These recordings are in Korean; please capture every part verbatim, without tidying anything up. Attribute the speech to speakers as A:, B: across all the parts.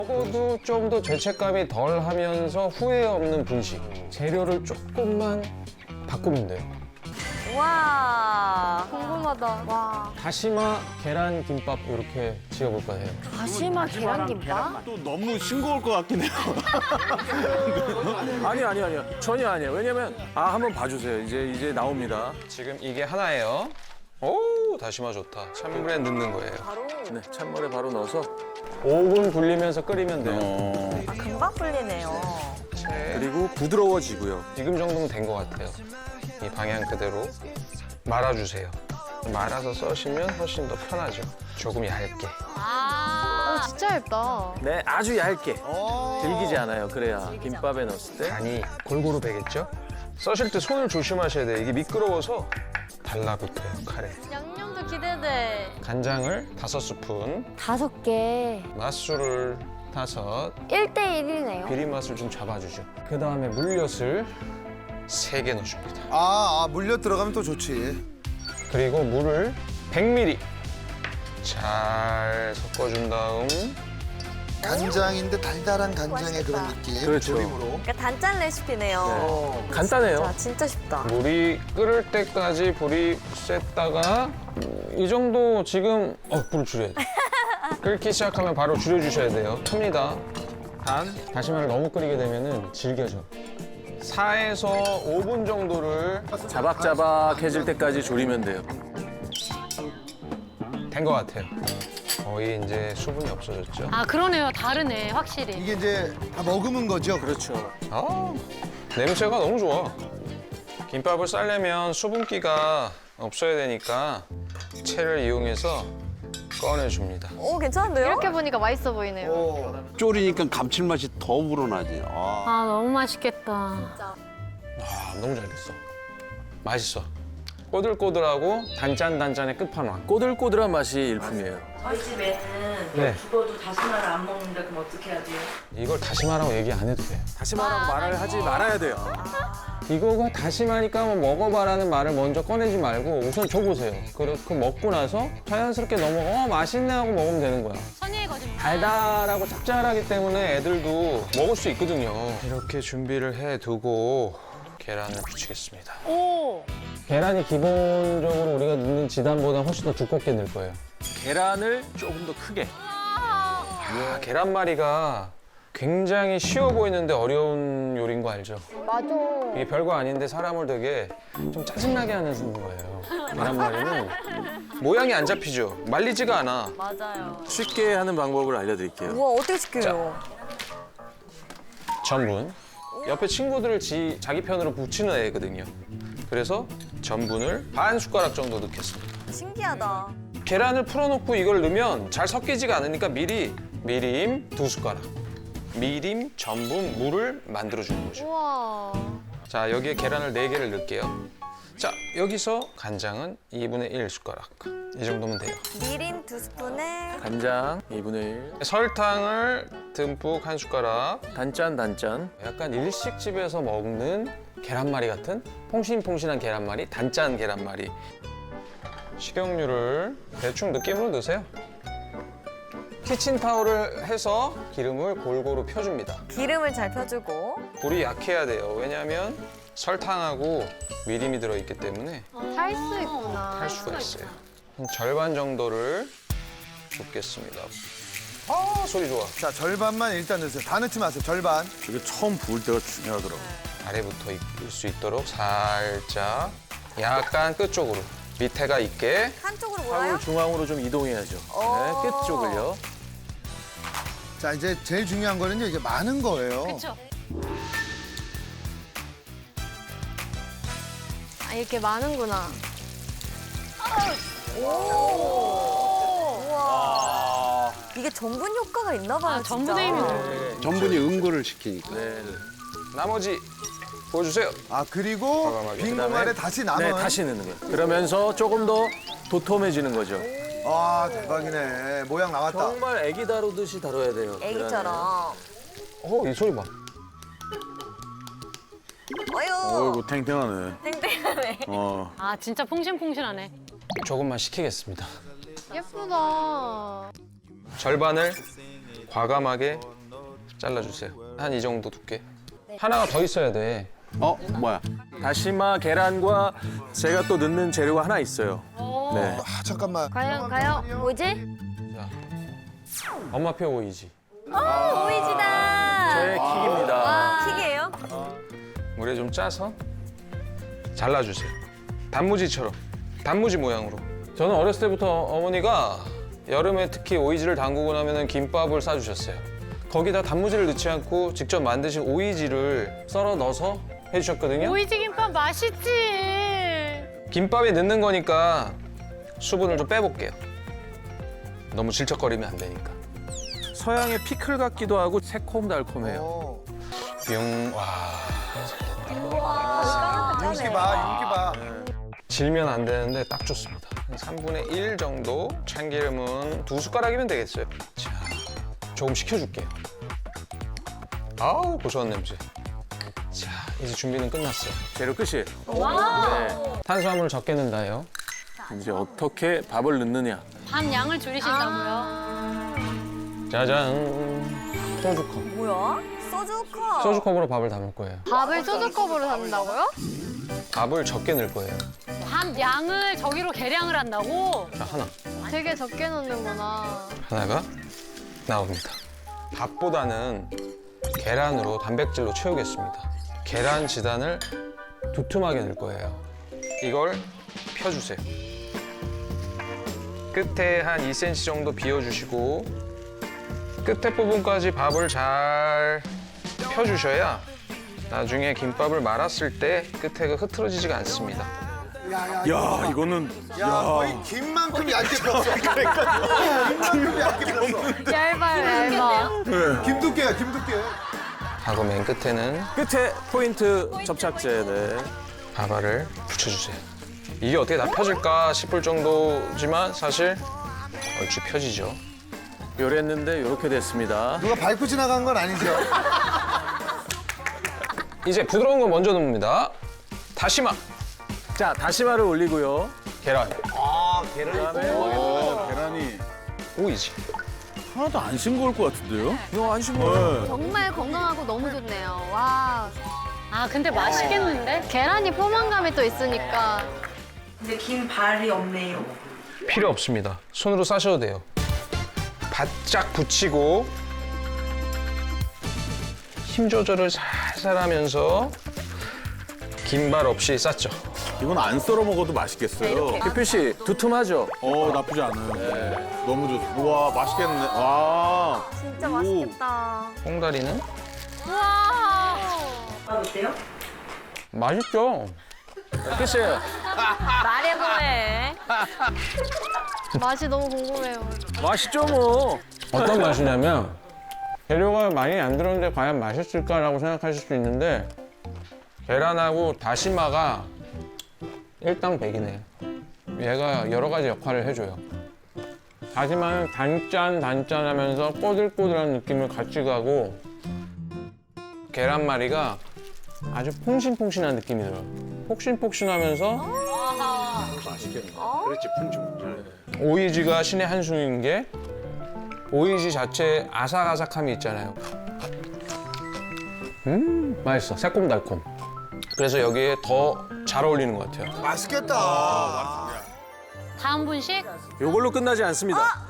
A: 먹어도 좀 더 죄책감이 덜 하면서 후회 없는 분식. 재료를 조금만 바꾸면 돼요.
B: 와.
C: 궁금하다. 와.
A: 다시마 계란 김밥 이렇게 지어볼까 해요.
C: 다시마 계란김밥?
D: 또 너무 싱거울 것 같긴 해요.
E: 아니 아니 아니요 전혀 아니에요. 왜냐면 아 한번 봐주세요. 이제 이제 나옵니다.
A: 지금 이게 하나예요. 오, 다시마 좋다. 찬물에 넣는 거예요.
E: 네 찬물에 바로 넣어서
A: 오 분 굴리면서 끓이면 돼요.
E: 어,
B: 아, 금방 풀리네요.
E: 그리고 부드러워지고요.
A: 지금 정도면 된 것 같아요. 이 방향 그대로 말아주세요. 말아서 써시면 훨씬 더 편하죠. 조금 얇게.
C: 어, 진짜 얇다.
E: 네 아주 얇게 들기지 않아요. 그래야 김밥에 넣었을 때
A: 간이 골고루 배겠죠? 써실 때 손을 조심하셔야 돼요. 이게 미끄러워서 달라붙어요, 칼에.
C: 양념도 기대돼.
A: 간장을 다섯 스푼,
C: 다섯 개.
A: 맛술을 다섯,
C: 일 대 일이네요.
A: 비린 맛을 좀 잡아주죠. 그 다음에 물엿을 세 개 넣어줍니다.
F: 아, 아 물엿 들어가면 또 좋지.
A: 그리고 물을 백 밀리리터 잘 섞어준 다음
F: 간장인데 달달한 간장의 그런 느낌.
E: 그렇죠.
F: 조림으로.
B: 그러니까 단짠 레시피네요.
E: 간단해요.
B: 자, 진짜 쉽다.
A: 물이 끓을 때까지 불이 셌다가 이 정도 지금 어 불을 줄여야 돼. 끓기 시작하면 바로 줄여주셔야 돼요. 큽니다. 단 다시마를 너무 끓이게 되면은 질겨져. 사에서 오 분 정도를
E: 자박자박해질 때까지 졸이면 돼요.
A: 된 것 같아요. 거의 이제 수분이 없어졌죠.
G: 아 그러네요. 다르네 확실히.
F: 이게 이제 다 머금은 거죠?
E: 그렇죠.
A: 아, 냄새가 너무 좋아. 김밥을 싸려면 수분기가 없어야 되니까 채를 이용해서 꺼내줍니다.
B: 오, 괜찮은데요?
C: 이렇게 보니까 맛있어 보이네요.
F: 어.
D: 졸이니까 감칠맛이 더 우러나지. 아.
G: 아 너무 맛있겠다.
A: 아, 너무 잘 됐어. 맛있어. 꼬들꼬들하고 단짠단짠의 끝판왕.
E: 꼬들꼬들한 맛이 일품이에요.
H: 저희 집에는
A: 네.
H: 죽어도 다시마를 안 먹는데 그럼 어떻게 해야 돼요?
A: 이걸 다시마라고 얘기 안 해도 돼요.
E: 다시마라고 말을 하지 말아야 돼요.
A: 이거가 다시마니까 한번 먹어봐라는 말을 먼저 꺼내지 말고 우선 줘보세요. 그렇게 먹고 나서 자연스럽게 넘어가 어 맛있네 하고 먹으면 되는 거야.
G: 선의의 거짓말.
A: 달달하고 짭짤하기 때문에 애들도 먹을 수 있거든요. 이렇게 준비를 해두고 계란을 붙이겠습니다.
G: 오.
A: 계란이 기본적으로 우리가 넣는 지단보다 훨씬 더 두껍게 넣을 거예요.
E: 계란을 조금 더 크게.
A: 아, 계란말이가 굉장히 쉬워 보이는데 어려운 요리인 거 알죠?
C: 맞아.
A: 이게 별거 아닌데 사람을 되게 좀 짜증나게 하는 거예요. 계란말이는 모양이 안 잡히죠? 말리지가 않아.
B: 맞아요.
E: 쉽게 하는 방법을 알려드릴게요.
B: 우와, 어떻게 시켜요?
A: 전분. 옆에 친구들을 지, 자기 편으로 붙이는 애거든요. 그래서 전분을 반 숟가락 정도 넣겠습니다.
B: 신기하다.
A: 계란을 풀어놓고 이걸 넣으면 잘 섞이지가 않으니까 미리 미림 두 숟가락, 미림, 전분, 물을 만들어주는 거죠.
C: 우와.
A: 자, 여기에 계란을 네 개를 넣을게요. 자, 여기서 간장은 이분의 일 숟가락. 이 정도면 돼요.
B: 미림 두 스푼에
E: 간장 이분의 일.
A: 설탕을 듬뿍 한 숟가락.
E: 단짠 단짠.
A: 약간 일식집에서 먹는 계란말이 같은 퐁신퐁신한 계란말이, 단짠 계란말이. 식용유를 대충 느낌으로 넣으세요. 키친타올을 해서 기름을 골고루 펴줍니다.
B: 기름을 잘 펴주고.
A: 불이 약해야 돼요. 왜냐하면 설탕하고 미림이 들어있기 때문에
C: 할 수 있구나.
A: 할 수가 있어요. 한 절반 정도를 붓겠습니다. 아, 소리 좋아.
F: 자, 절반만 일단 넣으세요. 다 넣지 마세요. 절반.
D: 이게 처음 부을 때가 중요하더라고.
A: 아래부터 익을 수 있도록 살짝 약간 끝쪽으로 밑에가 있게
B: 한쪽으로 몰아요?
E: 화물 중앙으로 좀 이동해야죠. 네, 끝 쪽을요.
F: 자, 이제 제일 중요한 거는요. 이게 많은 거예요.
G: 그렇죠.
C: 아, 이렇게 많은구나.
B: 우와. 이게 전분 효과가 있나 봐요,
G: 아,
B: 진짜.
G: 전분의 힘이 너무.
D: 전분이 응고를 시키니까.
E: 네.
A: 나머지 보여주세요.
F: 아, 그리고
A: 과감하게.
F: 빈 공간에 다시 남은.
E: 네, 다시 넣는 거예요. 그러면서 조금 더 도톰해지는 거죠.
F: 아, 대박이네. 모양 나왔다.
E: 정말 애기 다루듯이 다뤄야 돼요.
B: 애기처럼.
A: 어, 이 소리 봐.
B: 어휴.
D: 어이구 탱탱하네.
B: 땡땡하네.
D: 어.
G: 아 진짜 퐁신퐁신하네.
A: 조금만 식히겠습니다.
C: 예쁘다.
A: 절반을 과감하게 잘라주세요. 한 이 정도 두께. 하나가 더 있어야 돼.
D: 어 뭐야?
E: 다시마 계란과 제가 또 넣는 재료가 하나 있어요. 네.
F: 아 잠깐만.
C: 과연, 과연, 뭐지?
A: 자, 엄마표 오이지.
B: 오이지다.
E: 제 킥입니다.
B: 킥이에요?
A: 물에 좀 짜서 잘라주세요. 단무지처럼, 단무지 모양으로. 저는 어렸을 때부터 어머니가 여름에 특히 오이지를 담그고 나면 김밥을 싸주셨어요. 거기다 단무지를 넣지 않고 직접 만드신 오이지를 썰어 넣어서 해주셨거든요.
G: 오이지 김밥 맛있지.
A: 김밥에 넣는 거니까 수분을 좀 빼볼게요. 너무 질척거리면 안 되니까.
E: 서양의 피클 같기도 하고 새콤달콤해요.
F: 어.
A: 뿅, 와.
F: 윤기 봐, 윤기 봐.
A: 질면 안 되는데 딱 좋습니다. 한 삼분의 일 정도. 참기름은 두 숟가락이면 되겠어요. 자, 조금 식혀줄게요. 아우, 고소한 냄새. 자, 이제 준비는 끝났어요.
E: 재료 끝이에요. 네.
A: 탄수화물을 적게 넣는다요.
E: 이제 어떻게 밥을 넣느냐.
G: 밥 양을 줄이신다고요?
A: 짜잔. 소주컵.
B: 뭐야? 소주컵.
A: 소주컵으로 밥을 담을 거예요.
C: 밥을 소주컵으로 담는다고요?
A: 밥을 적게 넣을 거예요.
G: 밥 양을 저기로 계량을 한다고?
A: 자, 하나.
C: 되게 적게 넣는구나.
A: 하나가 나옵니다. 밥보다는 계란으로 단백질로 채우겠습니다. 계란 지단을 두툼하게 넣을 거예요. 이걸 펴주세요. 끝에 한 이 센티미터 정도 비워주시고 끝에 부분까지 밥을 잘 펴주셔야 나중에 김밥을 말았을 때 끝에가 흐트러지지가 않습니다.
E: 야, 이거는
F: 야, 거의 김만큼 얇게 폈어. 김만큼 얇게 폈어.
C: 얇아요, 얇아.
F: 김두께야, 김두께.
A: 하고 맨 끝에는
E: 끝에 포인트 접착제. 네.
A: 밥알을 붙여주세요. 이게 어떻게 다 펴질까 싶을 정도지만 사실 얼추 펴지죠.
E: 요랬는데 이렇게 됐습니다.
F: 누가 밟고 지나간 건 아니죠?
A: 이제 부드러운 거 먼저 넣습니다. 다시마,
E: 자, 다시마를 올리고요.
A: 계란,
D: 아 계란이. 오, 계란이
A: 오이지.
D: 하나도 안 싱거울 것 같은데요?
E: 이거 안 싱거워요.
C: 정말 건강하고 너무 좋네요. 와,
G: 아 근데 맛있겠는데?
C: 계란이 포만감이 또 있으니까.
H: 근데 긴 발이 없네요.
A: 필요 없습니다. 손으로 싸셔도 돼요. 바짝 붙이고 힘 조절을 살살 하면서 긴발 없이 쌌죠.
D: 이건 안 썰어 먹어도 맛있겠어요.
E: 기표 씨, 두툼하죠?
D: 어 나쁘지 않아요. 너무 좋. 우와 맛있겠네. 와.
B: 진짜 맛있겠다.
A: 콩다리는
G: 우와.
H: 아, 어때요?
A: 맛있죠.
E: 끝이에요.
B: 말해 뭐해.
C: 맛이 너무 궁금해요.
E: 맛있죠, 뭐.
A: 어떤 맛이냐면 재료가 많이 안 들었는데 과연 맛있을까라고 생각하실 수 있는데 계란하고 다시마가 일당백이네요. 얘가 여러 가지 역할을 해줘요. 다시마는 단짠 단짠하면서 꼬들꼬들한 느낌을 같이 가고 계란말이가 아주 퐁신퐁신한 느낌이 들어요. 폭신폭신하면서
D: 그렇지 풍충.
A: 오이지가 신의 한 수인 게 오이지 자체에 아삭아삭함이 있잖아요. 음, 맛있어. 새콤달콤. 그래서 여기에 더 잘 어울리는 것 같아요.
F: 맛있겠다.
G: 다음 분식?
E: 요걸로 끝나지 않습니다.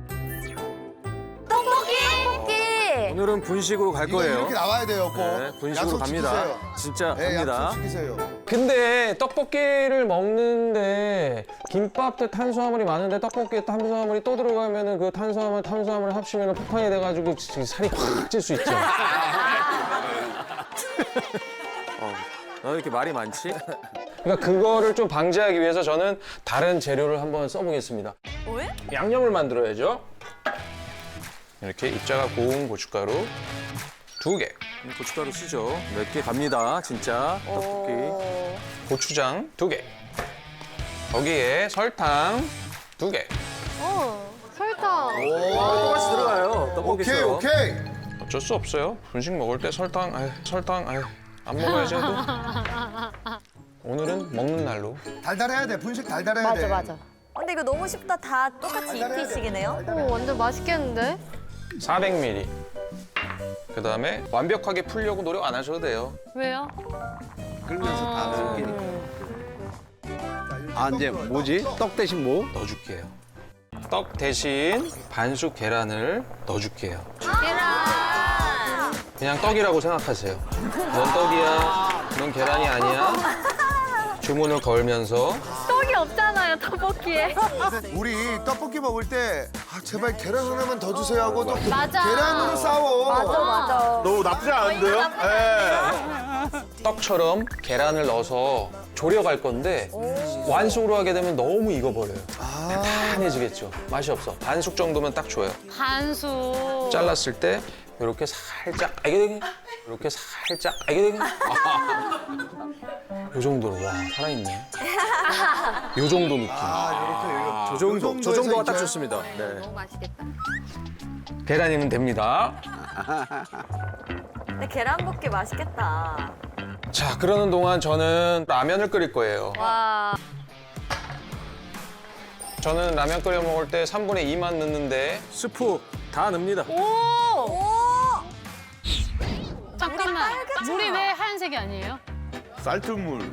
C: 떡볶이!
E: 오늘은 분식으로 갈
F: 이거
E: 거예요.
F: 이렇게 나와야 돼요, 꼭.
E: 네, 분식으로
F: 약속
E: 갑니다.
F: 지키세요.
E: 진짜
F: 네,
E: 갑니다.
F: 약속 지키세요.
A: 근데 떡볶이를 먹는데 김밥도 탄수화물이 많은데 떡볶이에 탄수화물이 또 들어가면은 그 탄수화물 탄수화물을 합치면 폭탄이 돼가지고 지- 살이 확 찔 수 있죠.
E: 너 이렇게 말이 많지?
A: 그러니까 그거를 좀 방지하기 위해서 저는 다른 재료를 한번 써보겠습니다.
B: 왜?
A: 양념을 만들어야죠. 이렇게 입자가 고운 고춧가루 두 개,
E: 고춧가루 쓰죠. 몇 개 갑니다, 진짜. 떡볶이.
B: 오.
A: 고추장 두 개, 거기에 설탕 두 개.
C: 어, 설탕.
E: 똑같이 들어가요,
F: 오케이,
E: 떡볶이처럼.
F: 오케이.
A: 어쩔 수 없어요. 분식 먹을 때 설탕, 아유, 설탕, 아유, 안 먹어야지 해도. 오늘은 먹는 날로.
F: 달달해야 돼. 분식 달달해야 돼.
B: 근데 이거 너무 쉽다. 다 똑같이
F: 달달해야 돼.
B: 이피식이네요.
C: 오, 완전 맛있겠는데?
A: 사백 밀리리터. 그다음에 완벽하게 풀려고 노력 안 하셔도 돼요.
G: 왜요?
F: 끓면서 다
G: 아.
F: 섞이니까. 아 이제 뭐지? 떡 대신 뭐?
A: 넣어줄게요. 떡 대신 반숙 계란을 넣어줄게요.
B: 계란.
A: 그냥 떡이라고 생각하세요. 넌 떡이야, 넌 계란이 아니야. 주문을 걸면서
B: 떡이 없잖아요, 떡볶이에.
F: 우리 떡볶이 먹을 때 아, 제발 계란 하나만 더 주세요 하고 또
C: 맞아.
F: 계란으로 싸워.
B: 맞아, 맞아.
D: 너무 나쁘지 않은데요? 예.
A: 떡처럼 계란을 넣어서 졸여갈 건데 완숙으로 하게 되면 너무 익어버려요. 단단해지겠죠. 맛이 없어. 반숙 정도면 딱 좋아요.
G: 반숙.
A: 잘랐을 때 이렇게 살짝 아이게 이렇게 살짝 아이게 요 정도로 와 살아있네. 요 정도 느낌.
F: 아,
E: 저 정도, 저
F: 정도에서
E: 정도가 딱
F: 이제?
E: 좋습니다. 네.
C: 너무 맛있겠다.
A: 계란이면 됩니다.
B: 근데 계란볶이 맛있겠다.
A: 자 그러는 동안 저는 라면을 끓일 거예요.
C: 와.
A: 저는 라면 끓여 먹을 때 삼분의 이만 넣는데
E: 스프 다 넣습니다.
B: 오!
G: 잠깐만. 물이 왜 하얀색이 아니에요?
D: 쌀뜨물.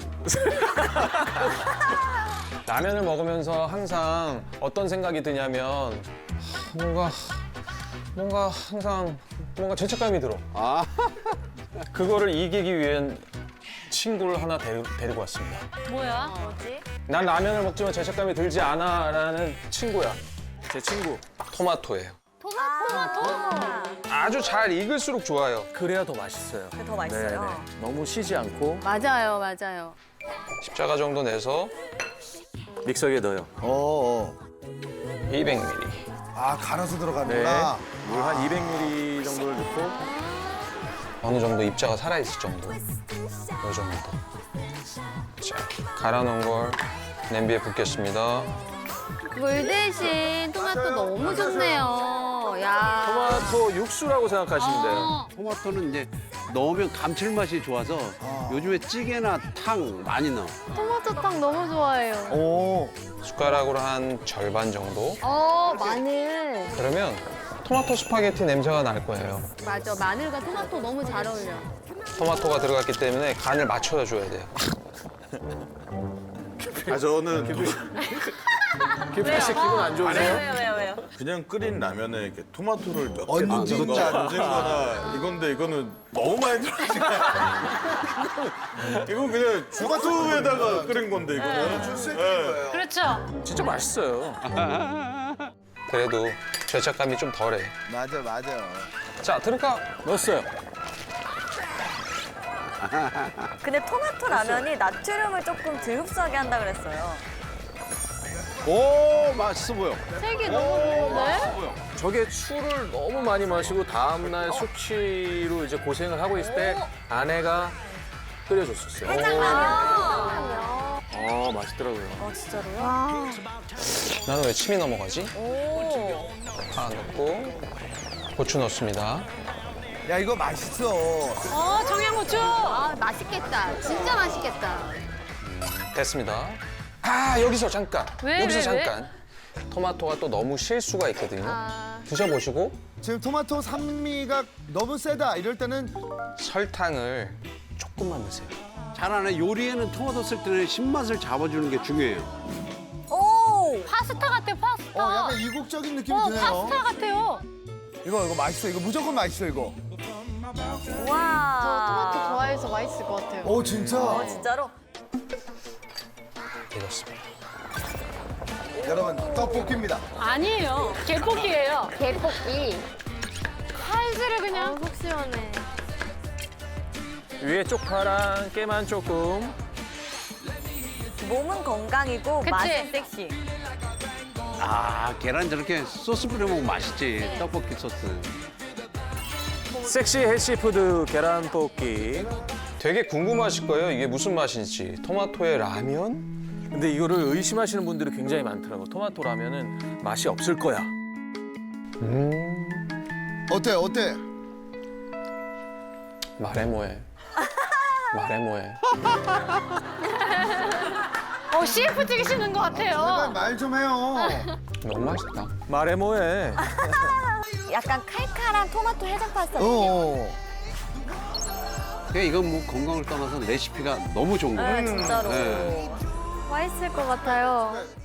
A: 라면을 먹으면서 항상 어떤 생각이 드냐면 하, 뭔가 뭔가 항상 뭔가 죄책감이 들어.
F: 아,
A: 그거를 이기기 위한 친구를 하나 데리, 데리고 왔습니다.
G: 뭐야?
B: 뭐지?
A: 난 라면을 먹지만 죄책감이 들지 않아라는 친구야.
E: 제 친구.
A: 토마토예요.
B: 토마토.
A: 아주 잘 익을수록 좋아요.
E: 그래야 더 맛있어요.
B: 그게 더 맛있어요.
E: 네네. 너무 쉬지 않고
C: 맞아요, 맞아요.
A: 십자가 정도 내서
E: 믹서기에 넣어요.
F: 어, 어.
A: 이백 밀리리터.
F: 아 갈아서
E: 네.
F: 들어가는구나.
E: 물 한 이백 밀리리터 정도를 넣고
A: 어느 정도 입자가 살아있을 정도. 이 정도. 자, 갈아 놓은 걸 냄비에 붓겠습니다.
C: 물 대신 토마토 너무 좋네요. 야.
E: 토마토 육수라고 생각하시면 돼요.
G: 어,
I: 토마토는 이제 넣으면 감칠맛이 좋아서 요즘에 찌개나 탕 많이 넣어.
C: 토마토탕 너무 좋아해요.
F: 오.
A: 숟가락으로 한 절반 정도.
C: 어, 마늘.
A: 그러면 토마토 스파게티 냄새가 날 거예요.
C: 맞아, 마늘과 토마토 너무 잘 어울려.
A: 토마토가 들어갔기 때문에 간을 맞춰줘야 돼요.
D: 아 저는
E: 김필 씨 기분 안 좋으세요?
B: 왜요, 왜요, 왜요?
D: 그냥 끓인 라면에 이렇게 토마토를 몇 개
F: 얹는
D: 넣는 거
F: 거죠.
D: 얹은 거나 이건데 이거는 너무 많이 들어가지. 이건 그냥 토마토에다가 끓인 건데 이거는.
F: 줄수 있는
D: 네.
F: 거예요.
G: 그렇죠.
E: 진짜 맛있어요.
A: 그래도 죄책감이 좀 덜해.
F: 맞아, 맞아.
A: 자, 들어가.
E: 넣었어요.
B: 근데 토마토 라면이 나트륨을 조금 덜 흡수하게 한다 그랬어요.
I: 오, 맛있어 보여.
C: 색이 너무 좋은데?
E: 저게 술을 너무 많이 마시고 다음날 숙취로 이제 고생을 하고 있을 때 아내가 끓여줬었어요. 아, 맛있더라고요.
B: 어, 진짜로요?
A: 나는 왜 침이 넘어가지?
B: 오.
A: 파 넣고 고추 넣습니다.
F: 야 이거 맛있어.
G: 어, 청양고추.
C: 아, 맛있겠다. 진짜 맛있겠다.
A: 됐습니다. 아, 여기서 잠깐.
G: 왜,
A: 여기서
G: 왜, 왜?
A: 잠깐. 토마토가 또 너무 실 수가 있거든요.
C: 아,
A: 드셔보시고
F: 지금 토마토 산미가 너무 세다. 이럴 때는
A: 설탕을 조금만 넣으세요.
I: 잘하네. 요리에는 토마토 쓸 때는 신맛을 잡아주는 게 중요해요.
B: 오.
G: 파스타 같아요, 파스타.
F: 어 약간 이국적인 느낌이
G: 어,
F: 드네요.
G: 파스타 같아요.
F: 이거 이거 맛있어. 이거 무조건 맛있어 이거.
B: 와.
C: 저 토마토 좋아해서 맛있을 것 같아요.
F: 오 진짜.
B: 어, 진짜로?
A: 익었습니다.
F: 여러분 떡볶이입니다.
G: 아니에요. 개볶이에요.
C: 개볶이.
G: 칼질을
C: 아,
G: 그냥.
C: 속 시원해.
E: 위에 쪽파랑 깨만 조금.
B: 몸은 건강이고
G: 그치?
B: 맛은 섹시.
I: 아, 계란 저렇게 소스 뿌려 먹으면 맛있지. 떡볶이 소스.
E: 섹시 헬시푸드 계란볶이.
A: 되게 궁금하실 거예요. 이게 무슨 맛인지. 토마토의 라면?
E: 근데 이거를 의심하시는 분들이 굉장히 많더라고. 토마토 라면은 맛이 없을 거야.
A: 음,
F: 어때 어때?
A: 말해 뭐해. 말해 뭐해.
G: 어, 씨에프 찍으시는 것
F: 제발
G: 같아요.
F: 말 좀 해요.
A: 너무 맛있다.
E: 말해 뭐해.
B: 약간 칼칼한 토마토 해장 파스타.
F: 어.
I: 그냥 이건 뭐 건강을 떠나서 레시피가 너무 좋은 거
B: 네,
I: 같아요.
B: 진짜로.
I: 네.
B: 맛있을 것 같아요.